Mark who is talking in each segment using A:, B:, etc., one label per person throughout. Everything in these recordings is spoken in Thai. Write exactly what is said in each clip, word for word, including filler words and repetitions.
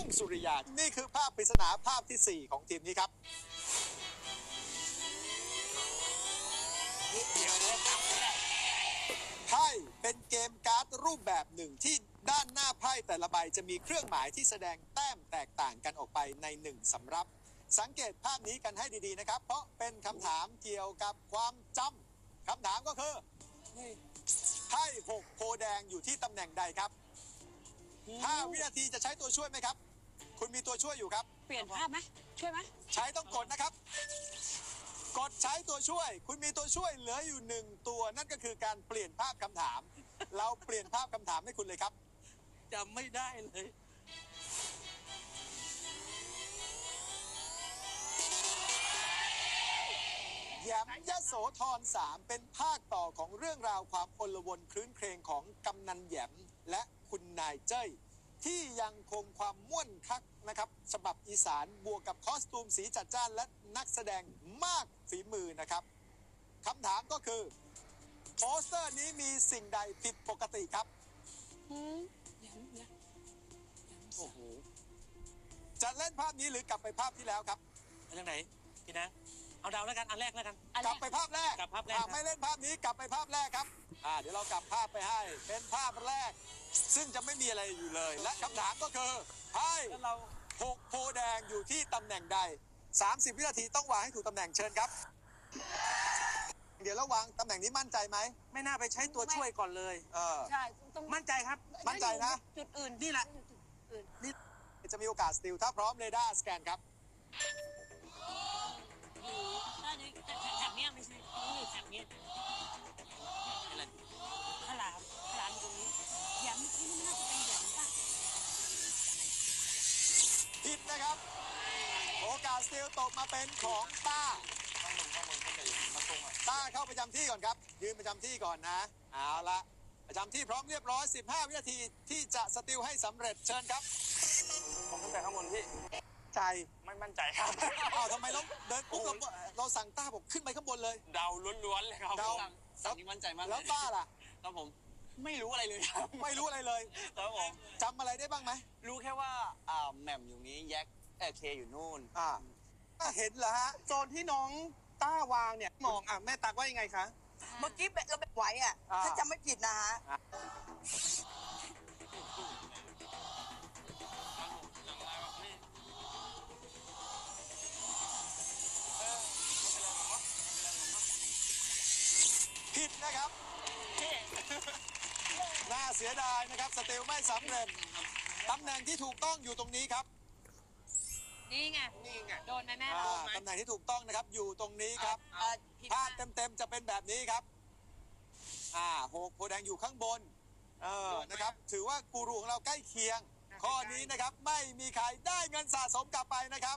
A: รุ่งสุริยานี่คือภาพปริศนาภาพที่สี่ของทีมนี้ครับไพ่เป็นเกมการ์ดรูปแบบหนึ่งที่ด้านหน้าไพ่แต่ละใบจะมีเครื่องหมายที่แสดงแต้มแตกต่างกันออกไปในหนึ่งสำรับสังเกตภาพนี้กันให้ดีๆนะครับเพราะเป็นคำถามเกี่ยวกับความจำคำถามก็คือไพ่หกโพแดงอยู่ที่ตำแหน่งใดครับห้าวินาทีจะใช้ตัวช่วยไหมครับคุณมีตัวช่วยอยู่ครับ
B: เปลี่ยนภาพไหมช่วยไหม
A: ใช้ต้องกดนะครับกดใช้ตัวช่วยคุณมีตัวช่วยเหลืออยู่หนึ่งตัวนั่นก็คือการเปลี่ยนภาพคำถามเราเปลี่ยนภาพคำถามให้คุณเลยครับ
C: จำไม่ได้เลย
A: แย้มยโสธรสามเป็นภาคต่อของเรื่องราวความอลวนคลื้นเครงของกำนันแย้มและคุณนายเจ้ยที่ยังคงความม่วนคักนะครับฉบับอีสานบวกกับคอสตูมสีจัดจ้านและนักแสดงมากฝีมือนะครับคำถามก็คือโปสเตอร์นี้มีสิ่งใดผิดปกติครับ
C: โอ้โห
A: จะเล่นภาพนี้หรือกลับไปภาพที่แล้วครับ
C: ไปทางไหนพี่นะเอาดาวแล้วกันอันแรกแล้วกัน
A: กลับไปภาพแรก
C: กลับภาพแรก
A: ไม่เล่นภาพนี้กลับไปภาพแรกครับอ่าเดี๋ยวเรากลับภาพไปให้เป็นภาพแรกซึ่งจะไม่มีอะไรอยู่เลยและคำถามก็คือไพ่หกโพแดงอยู่ที่ตำแหน่งใดสามสิบวินาทีต้องวางให้ถูกตำแหน่งเชิญครับเดี๋ยวระวังตำแหน่งนี้มั่นใจไหม
C: ไม่น่าไปใช้ตัวช่วยก่อนเลย
A: เออ
B: ใช่ต้อง
C: มั่นใจครับ
A: มั่นใจนะ
B: จุดอื่น
C: นี่แหละ
A: นี่จะมีโอกาสสติลถ้าพร้อมเรดาร์สแกนครับ
B: แถบนี้ไม่ใช่นี่แถบนี้ขลามขลามตรงนี้แหยมเมื่อกี้นี่น่าจะเป็นแหยมป่ะ
A: ผิดนะครับโอกาสสติลตกมาเป็นของต้าต้าเข้าประจำที่ก่อนครับยืนประจำที่ก่อนนะเอาละประจำที่พร้อมเรียบร้อยสิบห้าวินาทีที่จะสติลให้สำเร็จเชิญครับ
C: ผมขึ้นไปข้างบนพี่
A: ใจ
C: ไม่มั่นใจครับ
A: อ้าวทำไมเราเดินปุ๊บเราเราสั่งต้าบอกขึ้นไปข้างบนเลย
C: เดาล้วนๆเลยครับ
A: เดา
C: สั่งนี่มั่นใจมาก
A: แล้วต้าล่ะ
C: ครับผมไม่รู้อะไรเลยครับ
A: ไม่รู้อะไรเลย
C: ครับผม
A: จำอะไรได้บ้างไหม
C: รู้แค่ว่าอ่าแหม่มอยู่นี้แยกเอเคอยู่นู่น
A: อ่าเห็นเหรอฮะ
D: โซนที่น้องต้าวางเนี่ยมองอ่ะแม่ตักว่ายังไงคะ
B: เมื่อกี้เราแบบไหวอ่ะถ้าจำไม่ผิดนะฮะ
A: ผิดนะครับน่าเสียดายนะครับสติลไม่สำเร็จตำแหน่งที่ถูกต้องอยู่ตรงนี้ครับ
B: นี่ไง
D: นี่ไง
B: โดนไหมแม่
A: ตำแหน่งที่ถูกต้องนะครับอยู่ตรงนี้ครับภาพเต็มๆจะเป็นแบบนี้ครับอ่าหกโพแดงอยู่ข้างบนเออนะครับถือว่ากูรูของเราใกล้เคียงข้อนี้นะครับไม่มีใครได้เงินสะสมกลับไปนะครับ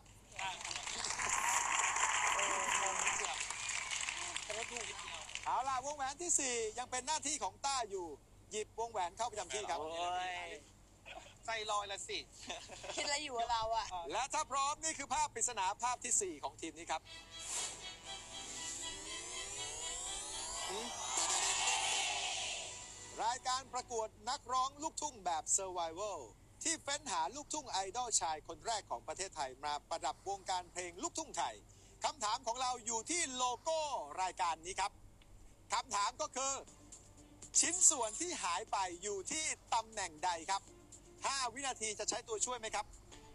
A: เอาล่ะวงแหวนที่สี่ยังเป็นหน้าที่ของต้าอยู่หยิบวงแหวนเข้าประจำที่ครับ
D: ใจลอยละสิ
B: คิดอะไรอยู่เราอ่ะ
A: และถ้าพร้อมนี่คือภาพปริศนาภาพที่สี่ของทีมนี้ครับรายการประกวดนักร้องลูกทุ่งแบบ Survival ที่เฟ้นหาลูกทุ่งไอดอลชายคนแรกของประเทศไทยมาประดับวงการเพลงลูกทุ่งไทยคำถามของเราอยู่ที่โลโก้รายการนี้ครับคำถามก็คือชิ้นส่วนที่หายไปอยู่ที่ตำแหน่งใดครับห้าวินาทีจะใช้ตัวช่วยไหมครับ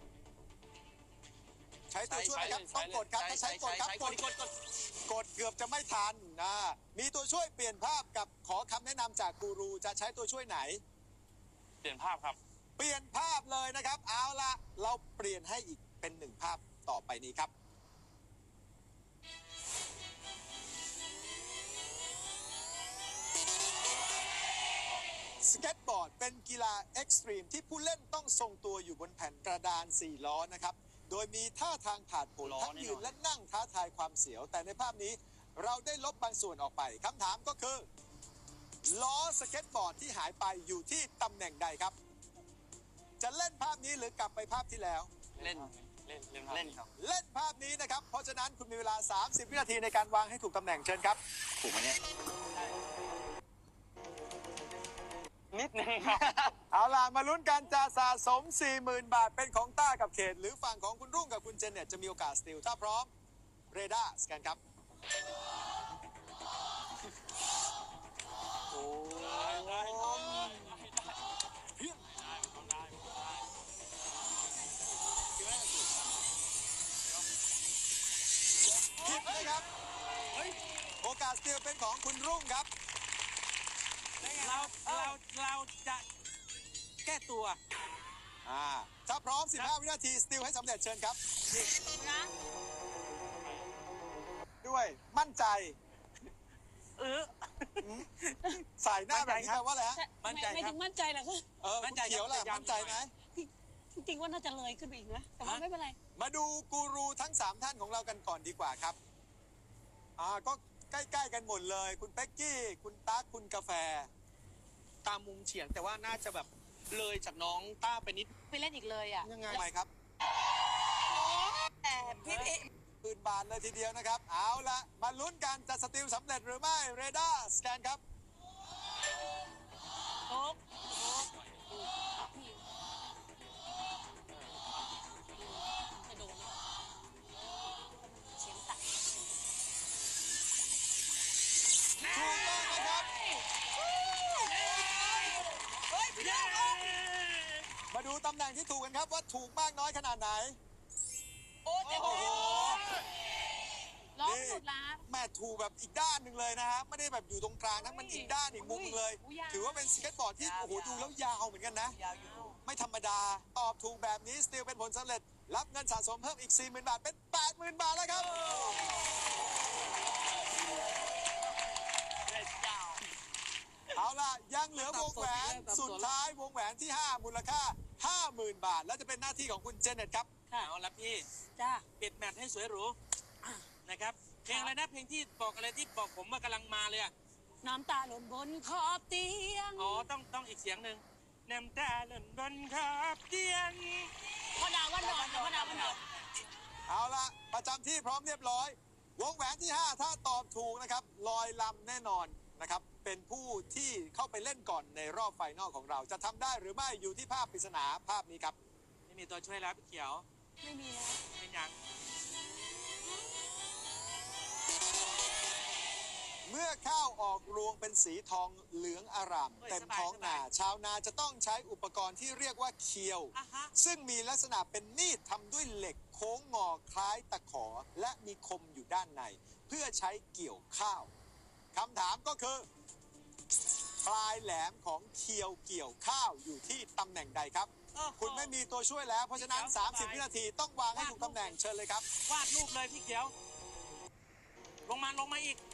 A: ใช้ตัวช่วยไหมครับต้องกดครับถ้าใช้กดครับกดกดกดกดเกือบจะไม่ทันนะมีตัวช่วยเปลี่ยนภาพกับขอคำแนะนำจากกูรูจะใช้ตัวช่วยไหน
C: เปลี่ยนภาพครับ
A: เปลี่ยนภาพเลยนะครับเอาละเราเปลี่ยนให้อีกเป็นหนึ่งภาพต่อไปนี้ครับสเก็ตบอร์ดเป็นกีฬาเอ็กซ์ตรีมที่ผู้เล่นต้องทรงตัวอยู่บนแผ่นกระดานสี่ล้อนะครับโดยมีท่าทางผาดโผนทั้งยืนและนั่งท้าทายความเสียวแต่ในภาพนี้เราได้ลบบางส่วนออกไปคำถามก็คือล้อสเก็ตบอร์ดที่หายไปอยู่ที่ตำแหน่งใดครับจะเล่นภาพนี้หรือกลับไปภาพที่แล้ว
C: เล่นเล่นเล่นเล่นครับ
A: เล่นภาพนี้นะครับเพราะฉะนั้นคุณมีเวลาสามสิบวินาทีในการวางให้ถูกตำแหน่งเชิญครับ
C: ถูกไหมเนี่ย
D: นิดนึงครับ
A: เอาล่ะ มาลุ้นกันจะสะสม สี่หมื่น บาทเป็นของต้ากับเขต หรือฝั่งของคุณรุ่งกับคุณเจเน็ตจะมีโอกาสสติลถ้าพร้อม เรดาร์สแกนครับ โอ้เพี้ยนผิดนะครับ โอกาสสติลเป็นของคุณรุ่งครับ
E: เราเราเราจะแก้ตัว
A: อ่า ถ้าพร้อม สิบห้า วินาที สติลให้สำเร็จเชิญครับ
B: นะ
A: ด้วยมั่นใจ
E: เออ
A: สายหน้าแบบนี้แปลว่าอะไรฮะ
E: มั่นใจ
B: ไม่
E: ครับ
B: ถึงมั่นใจเหรอคะ
A: เออ
E: มั่นใจ
A: คุณเขียวล่ะ
E: ครับ
A: มั่นใจไหม
B: จริงๆว่าน่าจะเลยขึ้นไปอีกนะ แต่ว่าไม่เป็นไร
A: มาดูกูรูทั้ง สาม ท่านของเรากันก่อนดีกว่าครับ อ่า ก็ใกล้ๆกันหมดเลย คุณเป๊กกี้ คุณตั๊ก คุณกาแฟ
D: ตามมุมเฉียงแต่ว่าน่าจะแบบเลยจากน้องต้าไปนิด
B: ไปเล่นอีกเลยอ่ะ
D: ยังไง
A: ทำไมครับ
B: แต่พี่เอ๊ะ
A: ปืนบานเลยทีเดียวนะครับ เอาละมาลุ้นกันจะสติลสำเร็จหรือไม่ เรดาร์สแกนครับ
B: โอ๊กจะโดนเสียงตัด
A: ถูกต้องนะครับ มาดูตำแหน่งที่ถูกกันครับว่าถูกมากน้อยขนาดไหน
B: โอ้โหร้องสุดละ
A: แม่ถูกแบบอีกด้านหนึ่งเลยนะฮะ ไม่ได้แบบอยู่ตรงกลางนะ มันอีกด้านอีกมุมหนึ่งเลย ถือว่าเป็นสเก็ตบอร์ดที่ โอ้โห ดูแล้วยาวเหมือนกันนะ
C: ยาวอยู่
A: ไม่ธรรมดา ตอบถูกแบบนี้ สติลเป็นผลสำเร็จ รับเงินสะสมเพิ่มอีก สี่หมื่น บาท เป็น แปดหมื่น บาทแล้วครับ เอาล่ะ ยังเหลือวงแหวนสุดท้ายวงแหวนที่ ห้า มูลค่า ห้าหมื่น บาท แล้วจะเป็นหน้าที่ของคุณเจเน็ตครับ
B: ค่ะ
E: เอาละพี่
B: จ้า
E: ปิดแมทให้สวยหรูนะครับ เพลงอะไรนะ เพลงที่บอกอะไรที่บอกผมว่ากำลังมาเลยอะ
B: น้ำตาหล่นบนขอบเตียง
E: อ๋อ ต้องต้องอีกเสียงหนึ่งน้ำตาหล่นบนขอบเตียง
B: พ่อดาวว่านอนพ่อดาวว่านอน
A: เอาล่ะ ประจำที่พร้อมเรียบร้อย วงแหวนที่ ห้า ถ้าตอบถูกนะครับ ลอยลำแน่นอนนะครับ เป็นผู้ที่เข้าไปเล่นก่อนในรอบไฟนอลของเรา จะทำได้หรือไม่อยู่ที่ภาพปริศนาภาพนี้ครับ
E: ไม่มีตัวช่วยแล้วพี่เขียว
B: ไม่มีแล้ว
E: เป็นยัง
A: เมื่อข้าวออกรวงเป็นสีทองเหลืองอร่าม
E: เฮ้ย
A: เต็ม
E: สบาย
A: ท้อง
E: สบาย
A: นา ชาวนาจะต้องใช้อุปกรณ์ที่เรียกว่าเคียว
E: อ่ะฮะ
A: ซึ่งมีลักษณะเป็นมีดทำด้วยเหล็กโค้งงอคล้ายตะขอ และมีคมอยู่ด้านใน เพื่อใช้เกี่ยวข้าวคำถามก็คือ ปลายแหลมของเคียวเกี่ยวข้าวอยู่ที่ตำแหน่งใดครับ
E: โอ้โห
A: คุณไม่มีตัวช่วยแล้ว เพราะฉะนั้น
E: พี่เขียว
A: สามสิบ
E: สบาย
A: วินาทีต้องวางให้ถูกตำแหน่งเชิญเลยครับ
E: วาดรูปเลยพี่เขียว ลงมาลงมาอีก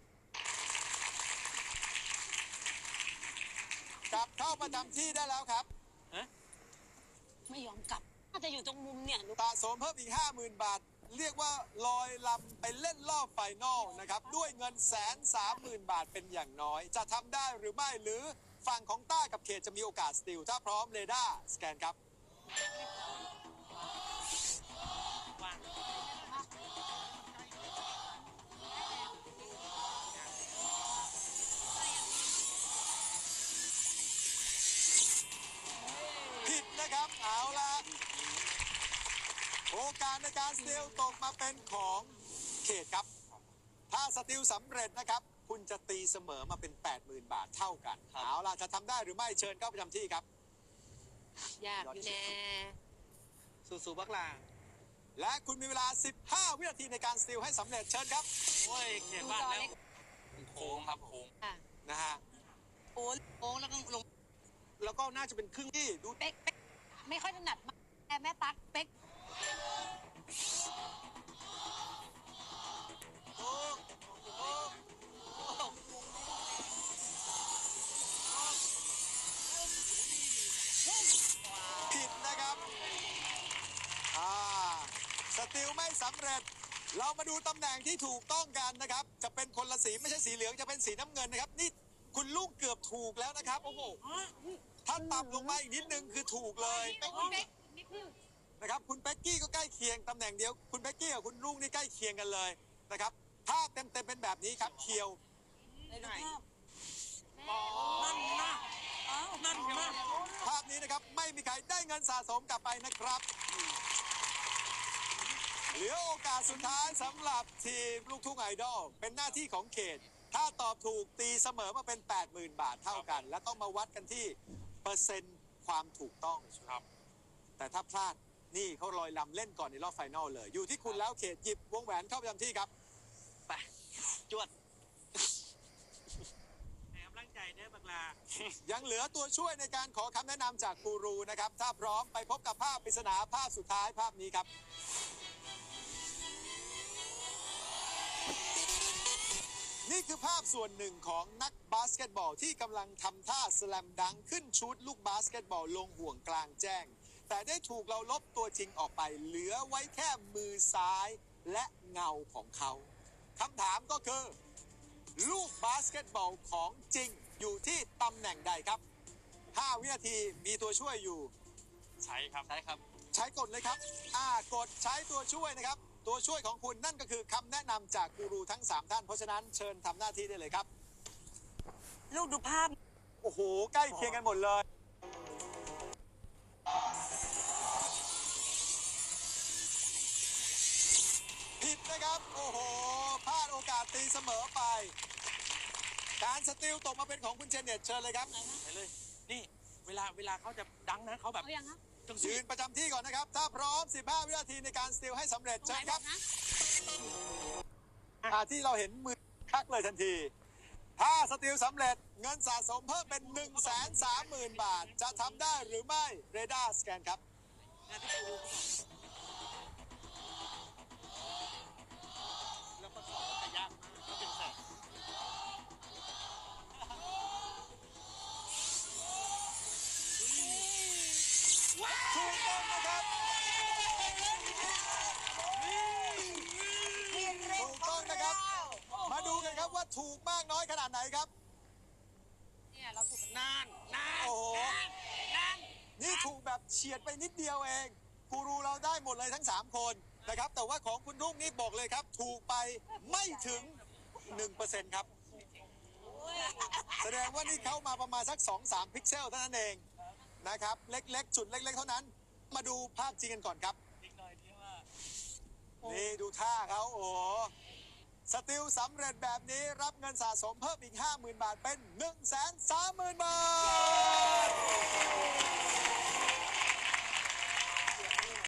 A: กลับเข้าประจำที่ได้แล้วครับ
B: ไม่ยอมกลับ น่าจะอยู่ตรงมุมเนี่ยดู
A: สะสมเพิ่มอีก ห้าหมื่น บาท เรียกว่าลอยลำไปเล่นรอบไฟนอลนะครับ ด้วยเงินแสนสามหมื่นบาทเป็นอย่างน้อย จะทำได้หรือไม่หรือฝั่งของต้ากับเขตจะมีโอกาสสติลถ้าพร้อมเรดาร์สแกนครับ
E: วาง
A: ผิดนะครับ เอาละโอกาสในการสติลตกมาเป็นของเขตครับ ถ้าสติลสำเร็จนะครับ คุณจะตีเสมอมาเป็น แปดหมื่น บาทเท่ากัน เอาล่ะ จะทำได้หรือไม่เชิญเข้าประจำที่ครับ
B: ยากอยู่แน่
D: สู้ๆบักลา
A: และคุณมีเวลา สิบห้า วินาทีในการสติลให้สำเร็จเชิญครับ
E: โอ้ยเขียนวาดแล้ว โค้งครับโค้ง
B: ค่ะ
A: นะฮะ
B: โอ้โอ้แล้วก็ลง
D: แล้วก็น่าจะเป็นครึ่ง
A: ที่ดู
B: เป๊กเป๊กไม่ค่อยถนัดมากแต่แม่ตั๊กเป๊ก
A: ผิดนะครับ อ่า สติลไม่สำเร็จ เรามาดูตำแหน่งที่ถูกต้องกันนะครับ จะเป็นคนละสีไม่ใช่สีเหลืองจะเป็นสีน้ำเงินนะครับ นี่คุณลูกเกือบถูกแล้วนะครับ โอ้โห ถ้าต่ำลงมาอีกนิดนึงคือถูกเลย
B: เป๊กเป๊กนิดนึง
A: นะครับ คุณเป๊กกี้ก็ใกล้เคียงตำแหน่งเดียว คุณเป๊กกี้กับคุณลุงนี่ใกล้เคียงกันเลยนะครับ ภาพเต็มๆเป็นแบบนี้ครับ เคียว
B: ในรูปภาพ
E: นั่นนะ
B: เอ
E: นั่นใช่ไหม
A: ภาพนี้นะครับไม่มีใครได้เงินสะสมกลับไปนะครับ เหลือโอกาสสุดท้ายสำหรับทีมลูกทุ่งไอดอลเป็นหน้าที่ของเขต ถ้าตอบถูกตีเสมอมาเป็น แปดหมื่น บาทเท่ากัน และต้องมาวัดกันที่เปอร์เซ็นต์ความถูกต้อง
E: ครับ
A: แต่ถ้าพลาดนี่เขาลอยลำเล่นก่อนในรอบไฟนอลเลย อยู่ที่คุณแล้วเขตหยิบวงแหวนเข้าประจำที่ครับ
C: ไปจวด
E: ให้กำลังใจเด้อบักลา
A: ยังเหลือตัวช่วยในการขอคำแนะนำจากกูรูนะครับ ถ้าพร้อมไปพบกับภาพปริศนาภาพสุดท้ายภาพนี้ครับ นี่คือภาพส่วนหนึ่งของนักบาสเกตบอลที่กำลังทำท่าสแลมดังก์ขึ้นชุดลูกบาสเกตบอลลงห่วงกลางแจ้ง แต่ได้ถูกเราลบตัวจริงออกไป เหลือไว้แค่มือซ้ายและเงาของเขาคำถามก็คือ ลูกบาสเกตบอลของจริงอยู่ที่ตำแหน่งใดครับ ห้า วินาทีมีตัวช่วยอยู่
E: ใช่ครับ
C: ใช่ครับ
A: ใช้กดเลยครับ อ่ากดใช้ตัวช่วยนะครับ ตัวช่วยของคุณนั่นก็คือคำแนะนำจากกูรูทั้ง สาม ท่าน เพราะฉะนั้นเชิญทำหน้าที่ได้เลยครับ
B: ลูกดูภาพ
A: โอ้โห ใกล้เคียงกันหมดเลย ผิดนะครับ โอ้โห พลาดโอกาสตีเสมอไป การสติลตกมาเป็นของคุณเจเน็ตเชิญเลยครับ
E: ไปเลย นี่ เวลาเวลาเขาจะดังนะเขาแบบ
B: เอายังคะ
E: จัง
A: ยื
E: สี
A: นประจำที่ก่อนนะครับ ถ้าพร้อม สิบห้า วินาทีในการสติลให้สำเร็จ
B: ตรง
A: เชิ
B: ไหน
A: ญ
B: บ
A: ค
B: อ
A: รับ
B: กนะ
A: อ่าที่เราเห็นมือคักเลยทันที ถ้าสติลสำเร็จเงินสะสมเพิ่มเป็น หนึ่งแสนสามหมื่น บาท จะทำได้หรือไม่ เรดาร์สแกนครับ
E: งานที่กู
D: แล้วก็สอบจะยากมากก็เป็นแสน
A: ถูกต้องนะครับ ถูกต้องนะครับ มาดูกันครับว่าถูกมากน้อยขนาดไหนครับ
B: เนี่ยเราถูกกัน
E: นานนาน
A: โอ้โห
E: นาน
A: นี่ถูกแบบเฉียดไปนิดเดียวเอง กูรูเราได้หมดเลยทั้ง สาม คนนะครับ แต่ว่าของคุณรุ่งนี่บอกเลยครับ ถูกไปไม่ถึง หนึ่งเปอร์เซ็นต์ ครับ แสดงว่านี่เข้ามาประมาณสัก สองสาม พิกเซลเท่านั้นเองนะครับ เล็กๆ จุดเล็กๆ เท่านั้น มาดูภาพจริงกันก่อนครับ
E: อีกหน่อยที่ว่า
A: นี่ดูท่าเขาโอ้โหสติลสำเร็จแบบนี้รับเงินสะสมเพิ่มอีก ห้าหมื่น บาทเป็น หนึ่งแสนสามหมื่น บาท